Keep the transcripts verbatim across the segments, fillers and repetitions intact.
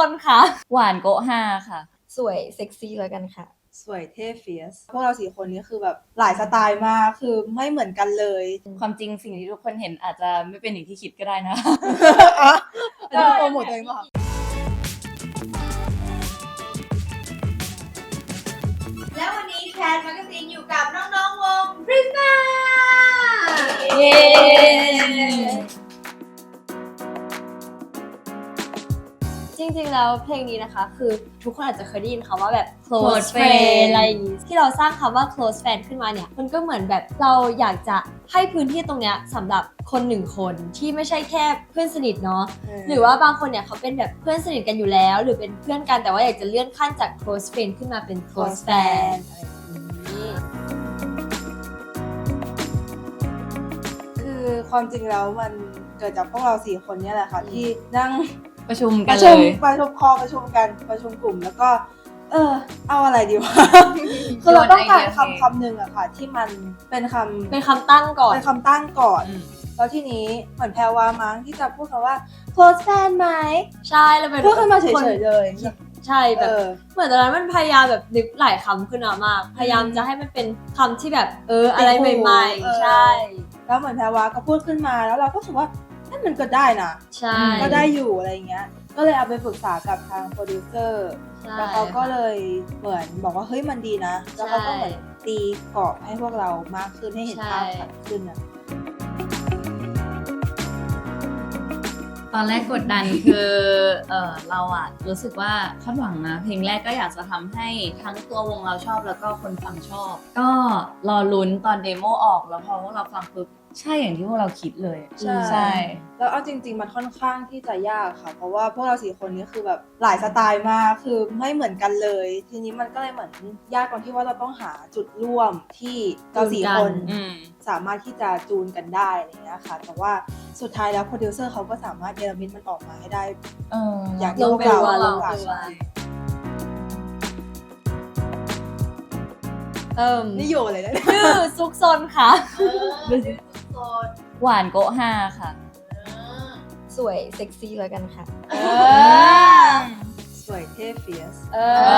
นค่ะหวานโกะห้าค่ะสวยเซ็กซี่แล้วกันค่ะสวยเท่เฟียสพวกเราสี่คนนี้คือแบบหลายสไตล์มากคือไม่เหมือนกันเลยความจริงสิ่งที่ทุกคนเห็นอาจจะไม่เป็นอย่างที่คิดก็ได้นะจะโปรโมทตัวเองป่ะแล้ววันนี้แคทแมกกาซีนอยู่กับน้องๆวง Prisma เย้จริงๆแล้วเพลงนี้นะคะคือทุกคนอาจจะเคยได้ยินคำว่าแบบ close close friend friend อะไรอย่างงี้ที่เราสร้างคำว่า close friend ขึ้นมาเนี่ยมันก็เหมือนแบบเราอยากจะให้พื้นที่ตรงเนี้ยสำหรับคนหนึ่งคนที่ไม่ใช่แค่เพื่อนสนิทเนาะหรือว่าบางคนเนี่ยเขาเป็นแบบเพื่อนสนิทกันอยู่แล้วหรือเป็นเพื่อนกันแต่ว่าอยากจะเลื่อนขั้นจาก close friend ขึ้นมาเป็น close friend อะไรอย่างนี้คือความจริงแล้วมันเกิดจากพวกเราสี่คนเนี่ยแหละค่ะที่นั่งประชุมปกันระเลชุมยประชุมคอประชุมกันประชุมกลุ่มแล้วก็ เออเอาอะไรดีวะ คือเราต้องการคำคำหนึ่งอะค่ะที่มันเป็นคำเป็นคำตั้งก่อนเป็นคำตั้งก่อนอืมแล้วทีนี้เหมือนแพรวามั้งที่จะพูดคำว่า close friend ไหมใช่แล้วเป็นพูดขึ้นมาเฉคนยๆเลยใช่แบเอบ อเหมือนตอนนั้นมันพยายามแบบนึกหลายคำขึ้นมามาก พยายามจะให้มันเป็นคำที่แบบเอออะไรใหม่เออๆ ใช่แล้วเหมือนแพรวาก็พูดขึ้นมาแล้วเราก็รู้สึกว่านั่นมันก็ได้นะใช่ก็ได้อยู่อะไรเงี้ย ก็เลยเอาไปปรึกษากับทางโปรดิวเซอร์ใช่แล้วเขาก็เลยเหมือนบอกว่าเฮ้ยมันดีนะ แล้วเขาก็เหมือนตีกรอบให้พวกเรามากขึ้นให้เห็นภาพชัดขึ้นนะตอนแรกกดดันคือเออเราอะรู้สึกว่าคาดหวังนะเพลงแรกก็อยากจะทำให้ทั้งตัววงเราชอบแล้วก็คนฟังชอบ ก็รอลุ้นตอนเดโมออกแล้วพอพวกเราฟังปุ๊บใช่อย่างที่พวกเราคิดเลยใช่ใช่แล้วเอาจริงๆมันค่อนข้างที่จะยากค่ะ เพราะว่าพวกเราสี่คนนี้คือแบบหลายสไตล์มากคือไม่เหมือนกันเลย ทีนี้มันก็เลยเหมือนยากตรงที่ว่าเราต้องหาจุดร่วมที่เราสี่คนอืมสามารถที่จะจูนกันได้อะไรเงี้ยค่ะ แต่ว่าสุดท้ายแล้วโปรดิวเซอร์เขาก็สามารถเนรมิตมันออกมาให้ได้เอออย่างที่พวกเราลงตัวลงตัวลงตัว เอิ่มนี่โยเลยนะชื่อซุกซนค่ะเออชื่อโซนหวานโกะห้าค่ะเออสวยเซ็กซี่แล้วกันค่ะเออสวยเท่เฟียสเออ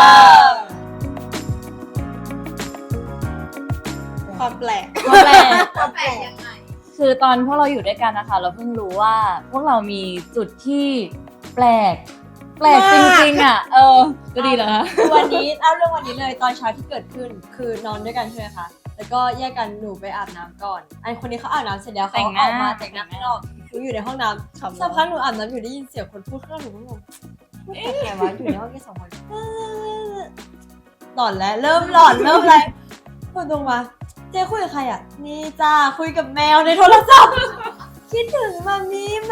ความแปลกตัวแปลกความแปลกยังไงคือตอนพวกเราอยู่ด้วยกันนะคะ เราเพิ่งรู้ว่าพวกเรามีจุดที่แปลก แปลกจริงๆอ่ะ เออก็ดีแล้วนะคือวันนี้เอาเรื่องวันนี้เลยตอนเช้าที่เกิดขึ้น คือนอนด้วยกันใช่ไหมคะ แล้วก็แยกกันหนูไปอาบน้ำก่อนอันคนนี้เขาอาบน้ำเสร็จแล้วแต่เขางหน้าออกมาแต่งหน้าข้างนอกหนูอยู่ในห้องน้ำสักพักหนูอาบน้ำอยู่ได้ยินเสียงคนพูดข้างนอกหนูก็งงพูดกับใครวะอยู่ในห้องแค่สองคนเออหลอนแล้วเริ่มหลอนเริ่มอะไรพูดตรงมาเจ๊คุยกับใครอ่ะนี่จ้าคุยกับแมวในโทรศัพท์ คิดถึงมามีไหม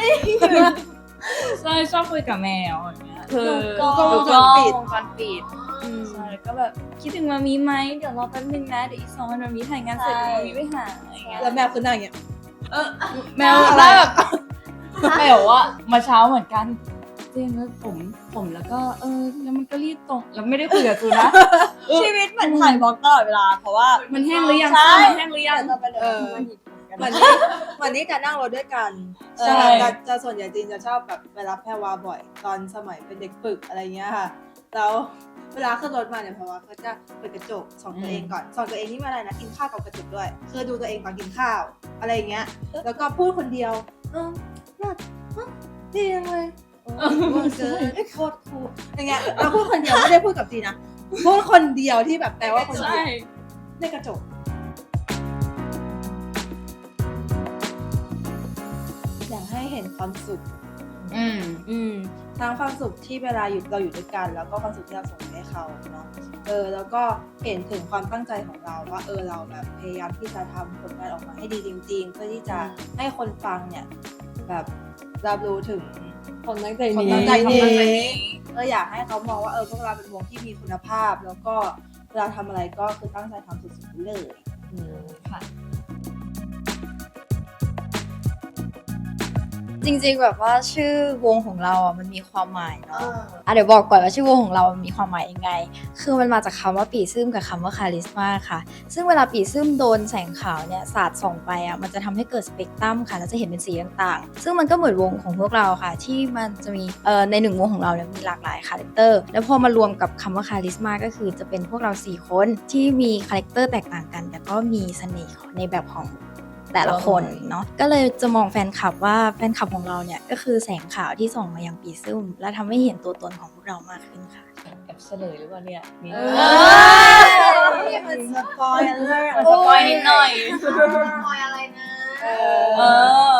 ใช่ชอบคุยกับแมวอย่างเงี้ยคือดูกล้องดูกล้องวงจรปิดวงจรปิดใช่ก็แบบคิดถึงมามีไหมเดี๋ยวรอแป๊บนึงนะเดี๋ยวอีกสองวันมามีถ่ายงานเสร็จใช่มามีไปหาอะไรเงี้ยแล้วแมวคือหน้าอย่างเงี้ยแมวหน้าแบบแมวว่ามาเช้าเหมือนกันเจนแล้วผมผมแล้วก็เออแล้วมันก็รีบตรงแล้วไม่ได้คุยกับจูนะชีวิตเหมือนถ่ายบล็อกตลอดเวลาเพราะว่ามันแห้งหรือยังใช่มันแห้งหรือยังจะไปเลยเออมันหยิบกันเหมือนนี่เหมือนนี่จะนั่งรถด้วยกันเออใช่จะจะส่วนใหญ่จีนจะชอบแบบไปรับแพรวาบ่อย ตอนสมัยเป็นเด็กฝึกอะไรเงี้ยค่ะ แล้วเวลาขึ้นรถมาเนี่ยแพรวาก็จะเปิดกระจกส่องตัวเองก่อนส่องตัวเองนี่มาอะไรนะกินข้าวกับกระจกด้วยคือดูตัวเองตอนกินข้าวอะไรเงี้ย แล้วก็พูดคนเดียวเออน่าฮะดีจังเลยเออเจอไอ้โคตรคูลอย่างเงี้ยเราพูดคนเดียวไม่ได้พูดกับจีนนะพูดคนเดียวที่แบบแปลว่าคนเดีใช่ยวในกระจก อยากให้เห็นความสุขอืมอืมทั้งความสุขที่เวลาอยู่เราอยู่ด้วยกัน แล้วก็ความสุขที่เราส่งให้เขาเนาะเออแล้วก็เห็นถึงความตั้งใจของเราว่าเออเราแบบพยายามที่จะทำผลงานออกมาให้ดีจริง ๆ เพื่อที่จะให้คนฟังเนี่ยแบบรับรู้ถึงคนตั้งใจคนนี้ตั้งใจความนี้ตั้งใจนี้เอออยากให้เขามองว่าเออพวกเราเป็นวงที่มีคุณภาพ แล้วก็เวลาทำอะไรก็คือตั้งใจทำสุดๆเลยค่ะจริงๆแบบว่าชื่อวงของเราอ่ะมันมีความหมายเนาะอ่ะเดี๋ยวบอกก่อนว่าชื่อวงของเรามันมีความหมายยังไง คือมันมาจากคำว่าปีซึมกับคำว่าคาลิสมาค่ะ ซึ่งเวลาปีซึมโดนแสงขาวเนี่ยสาดส่องไปอ่ะมันจะทำให้เกิดสเปกตรัมค่ะแล้วจะเห็นเป็นสีต่างๆซึ่งมันก็เหมือนวงของพวกเราค่ะ ที่มันจะมีเอ่อในหนึ่งวงของเราเนี่ยมีหลากหลายคาแรคเตอร์แล้วพอมารวมกับคำว่าคาลิสมาก็คือจะเป็นพวกเราสี่คนที่มีคาแรคเตอร์แตกต่างกัน แต่ก็มีเสน่ห์ในแบบของแต่ละคนเนาะก็เลยจะมองแฟนคลับว่าแฟนคลับของเราเนี่ยก็คือแสงขาวที่ส่องมายังปีซึมและทำให้เห็นตัวตนของพวกเรามากขึ้นค่ะแอบเฉลยหรือเปล่าเนี่ยมีเออมันสปอยเลอร์สปอยนิดหน่อยคอยอะไรนะเอเอออ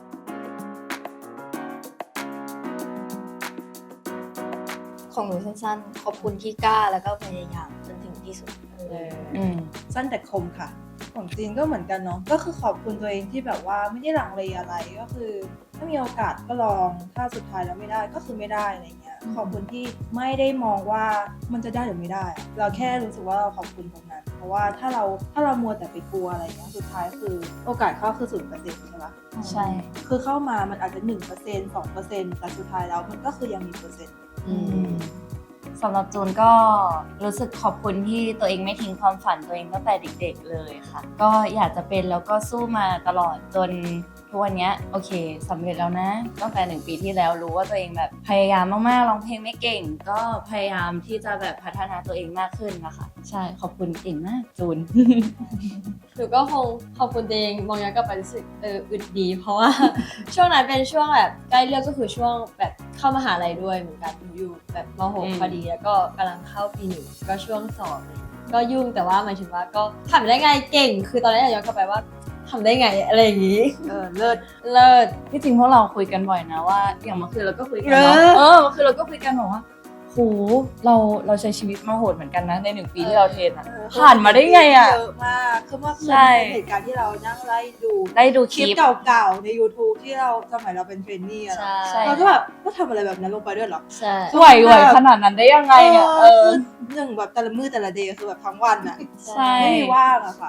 ของหนูสั้นๆ ขอบคุณที่กล้าแล้วก็พยายามจนถึงที่สุดอืมสั้นแต่คมค่ะ ของจีนก็เหมือนกันเนาะก็คือขอบคุณตัวเองที่แบบว่าไม่ได้ลังเลอะไรก็คือถ้ามีโอกาสก็ลองถ้าสุดท้ายแล้วไม่ได้ก็คือไม่ได้อะไรเงี้ยขอบคุณที่ไม่ได้มองว่ามันจะได้หรือไม่ได้ เราแค่รู้สึกว่าเราขอบคุณตรงนั้น เพราะว่าถ้าเราถ้าเรามัวแต่ไปกลัวอะไรเงี้ยสุดท้ายคือโอกาสเข้าคือศูนย์เปอร์เซ็นต์ใช่ปะใช่คือเข้ามามันอาจจะหนึ่งเปอร์เซ็นต์สองเปอร์เซ็นต์แต่สุดท้ายแล้วมันก็คือยังมีเปอร์เซ็นต์อืมสำหรับจูนก็รู้สึกขอบคุณที่ตัวเองไม่ทิ้งความฝันตัวเองตั้งแต่เด็กๆเลยค่ะ ก็อยากจะเป็นแล้วก็สู้มาตลอดจนทุกวันนี้โอเคสำเร็จแล้วนะตั้งแต่หนึ่งปีที่แล้วรู้ว่าตัวเองแบบพยายามมากๆร้องเพลงไม่เก่ง ก็พยายามที่จะแบบพัฒนาตัวเองมากขึ้นนะคะใช่ขอบคุณเก่งมากจูนหนูก็คงขอบคุณตัวเองมองย้อนกลับไปรู้สึกเอออึดดี เพราะว่า ช่วงนั้นเป็นช่วงแบบใกล้เลือกก็คือช่วงแบบเข้ามหาลัยด้วยเหมือนกันหนูอยู่แบบม .หกอืมพอดีแล้วก็กำลังเข้าปีหนึ่งก็ช่วงสอบอะไรอย่างเงี้ยก็ยุ่งแต่ว่าหมายถึงว่าก็ทำได้ไงเก่ง คือตอนแรกย้อนกลับไปว่าทำได้ไงอะไรอย่างงี้เออเลิศเลิศที่จริงพวกเราคุยกันบ่อยนะว่าอย่างเมื่อคืนเราก็คุยกันเนาะเออเออเมื่อคืนเราก็คุยกันบอกว่าโหเราเราใช้ชีวิตมาโหดเหมือนกันนะในหนึ่งปีที่เราเทรนอะ ผ่านมาได้ไงอะเยอะมากคือเมื่อคืนใช่เป็นเหตุการณ์ที่เรานั่งไล่ดูได้ดูคคลิลิปปเก่าๆใน YouTube ที่เราสมัยเราเป็นเทรนนี่อะใช่เราก็แบบก็ทำอะไรแบบนั้นลงไปด้วยเหรอใช่ไหวไหวขนาดนั้นได้ยังไงเนี่ยเออหนึ่งแบบแต่ละมือแต่ละเดย์คือแบบทั้งวันอะใช่ไม่มีว่างอะค่ะ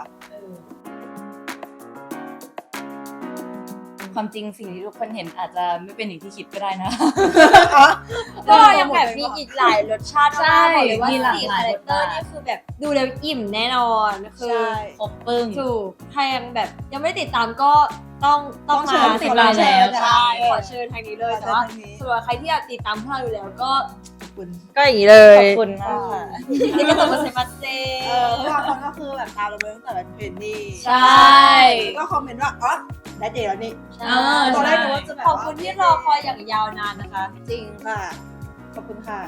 ความจริงสิ่งที่ทุกคนเห็นอาจจะไม่เป็นอย่างที่คิดก็ได้นะก็ยังแบบมีอีกหลายรสชาติใช่มากบอกเลยว่ามีหลากสี่หลายคาแรคเตอร์รสชาตินี่คือแบบดูแล้วอิ่มแน่นอนคือใช่ครบปึ้งถูกถ้ายังแบบยังไม่ได้ติดตามก็ต้องต้องต้องเชิมาญติดตามติดตามแล้วใช่ขอเชิญทางนี้เลยขอเชิญแต่ว่าทางนี้สำหรับใครที่อยากติดตามพวกเราอยู่แล้วก็ขอบคุณก็อย่างนี้เลยขอบคุณมากค่ะนี่ก็ต้องมาเซมาเซเออเพราะบางคนก็คือแบบตามเราไปตั้งแต่เป็นเทรนนี่ใช่ก็คอมเมนต์ว่าอ๋อได้เดย์แล้วนี่ใช่เออตอนแรกใช่นึกว่าจะแบบขอบคุณที่รอคอยอย่างยาวนานนะคะจริงค่ะ ขอบคุณค่ะ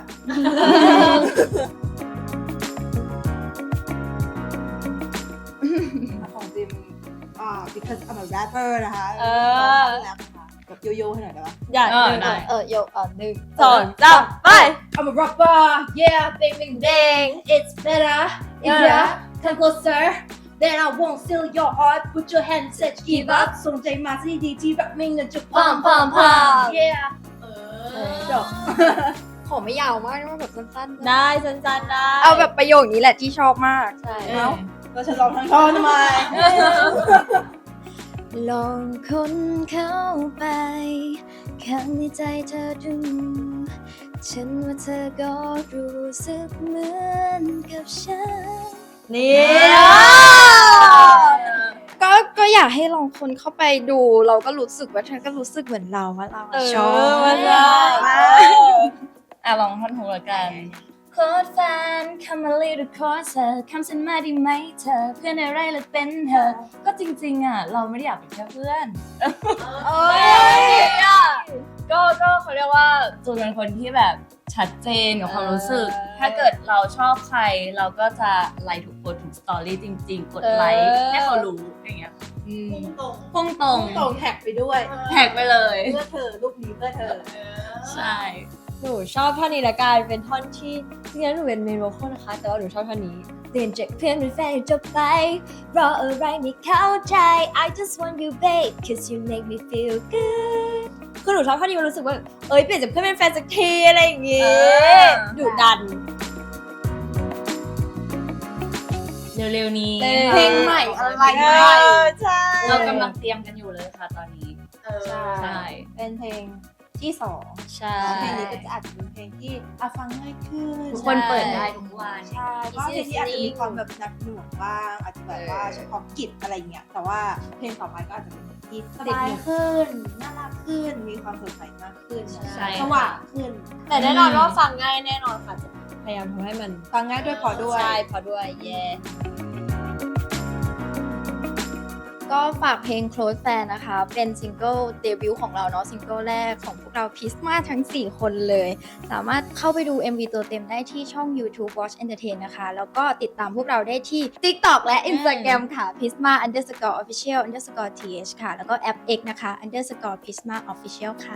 ของจิมอ่า because I'm a rapper นะคะเออแรปค่ะแบบโยโย่ให้หน่อยได้ปะอยากเออได้เออโยกอ่ะหนึ่งสองสามไป I'm a rapper yeah bang bang bang it's better yeah come closer then I won't steal your heart put your hands set give up ส่งใจมาที่ดีที่แบบไม่เงินจะพังพังพัง yeah เอจบขอไม่ยาวมากนะแบบสั้นๆได้สั้นๆได้เอาแบบประโยคนี้แหละที่ชอบมากใช่เอ้าเราจะลองทั้งท่อนทำไมลองคนเข้าไปข้างในใจเธอดูฉันว่าเธอก็รู้สึกเหมือนกับฉันนี่ก็ก็อยากให้ลองคนเข้าไปดู เราก็รู้สึกว่าเธอก็รู้สึกเหมือนเราว่าเราเออชอบมาได้อ่ะลองท่อนหูละกันโคตรแฟนคำมาลีดูโคตรเธอคำฉันมาดีไหมเธอ เพื่อนอะไรหรือเป็นเธอ ก็จริงๆอ่ะ เราไม่ได้อยากเป็นแค่เพื่อนเอ้ยก็ก็เขาเรียกว่าจูนเป็นคนที่แบบชัดเจนกับความรู้สึกเออถ้าเกิดเราชอบใคร เราก็จะไลค์ทุกโพสต์ทุกสตอรี่จริง ๆ กดไลค์เออให้เขารู้อย่างเงี้ยพุ่งตรงพุ่งตรงส่งแท็กไปด้วยแท็กไปเลยเพื่อเธอรูปนี้เพื่อเธอใช่หนูชอบท่อนนี้ละกันเป็นท่อนที่จริงๆแล้วหนูเป็นเมนโวคอลนะคะ แต่ว่าหนูชอบท่อนนี้เปลี่ยนจากเพื่อนเป็นแฟนจบไปรออะไรไม่เข้าใจ I just want you babe cause you make me feel good คือหนูชอบท่อนนี้มันรู้สึกว่าเอ้ยเปลี่ยนจากเพื่อนเป็นแฟนสักทีอะไรอย่างงี้เออดุดันเร็วๆนี้เพลงใหม่อะไรเออใช่เรากำลังเตรียมกันอยู่เลยค่ะตอนนี้เออใช่ใช่เป็นเพลงที่สองใช่เพลงนี้ก็จะอาจจะเป็นเพลงที่อ่ะฟังง่ายขึ้นทุกคนเปิดได้ทุกวันใช่ก็เพลงนี้อาจจะมีความแบบหนักหน่วงบ้างอาจจะแบบว่าเฉพาะกิจอะไรเงี้ยแต่ว่าเพลงต่อไปก็อาจจะเป็นเพลงที่สบายขึ้นน่ารักขึ้นมีความสดใสมากขึ้นใช่สว่างขึ้นแต่แน่นอนว่าฟังง่ายแน่นอนค่ะจะพยายามทำให้มันฟังง่ายด้วยพอด้วยใช่พอด้วยเย่ก็ฝากเพลง Close Fan นะคะ เป็นซิงเกิลเดบิวต์ของเราเนาะซิงเกิลแรกของพวกเราพิสมาทั้ง สี่ คนเลย สามารถเข้าไปดู เอ็ม วี ตัวเต็มได้ที่ช่อง YouTube Watch Entertain นะคะ แล้วก็ติดตามพวกเราได้ที่ TikTok และ Instagram ค่ะ Pisma underscore official underscore th ค่ะ แล้วก็แอป X นะคะ underscore Pisma official ค่ะ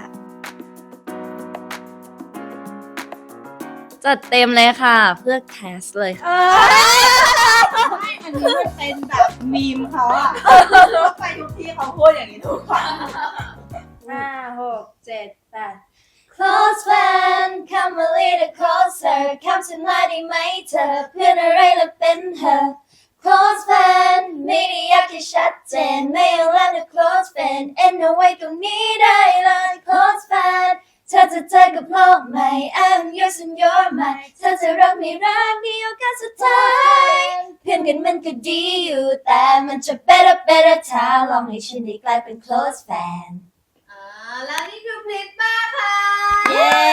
จัดเต็มเลยค่ะ เพื่อแคสเลยค่ะไม่อันนี้มันเป็นแบบมีมเขาอะไปทุกที่เขาพูดอย่างนี้ทุกครั้งห้าหกเจ็ดแปด Close fan come a little closer come tonight ได้ไหมเธอเพื่อนอะไรและเป็นเธอ Close fan ไม่ได้อยากให้ชัดเจนไม่เอาแล้วนะ Close fan เอ็นเอาไว้ตรงนี้ได้เลย Close fan เธอจะเจอกับโลกใหม่ I'm yours and you're mine เธอจะรักไม่รักมีโอกาสสุดท้ายเพื่อนกันมันก็ดีอยู่แต่มันจะ better better ถ้าลองให้ฉันได้กลายเป็น close fan อ่าแล้วนี่คือพริตมาค่ะเย้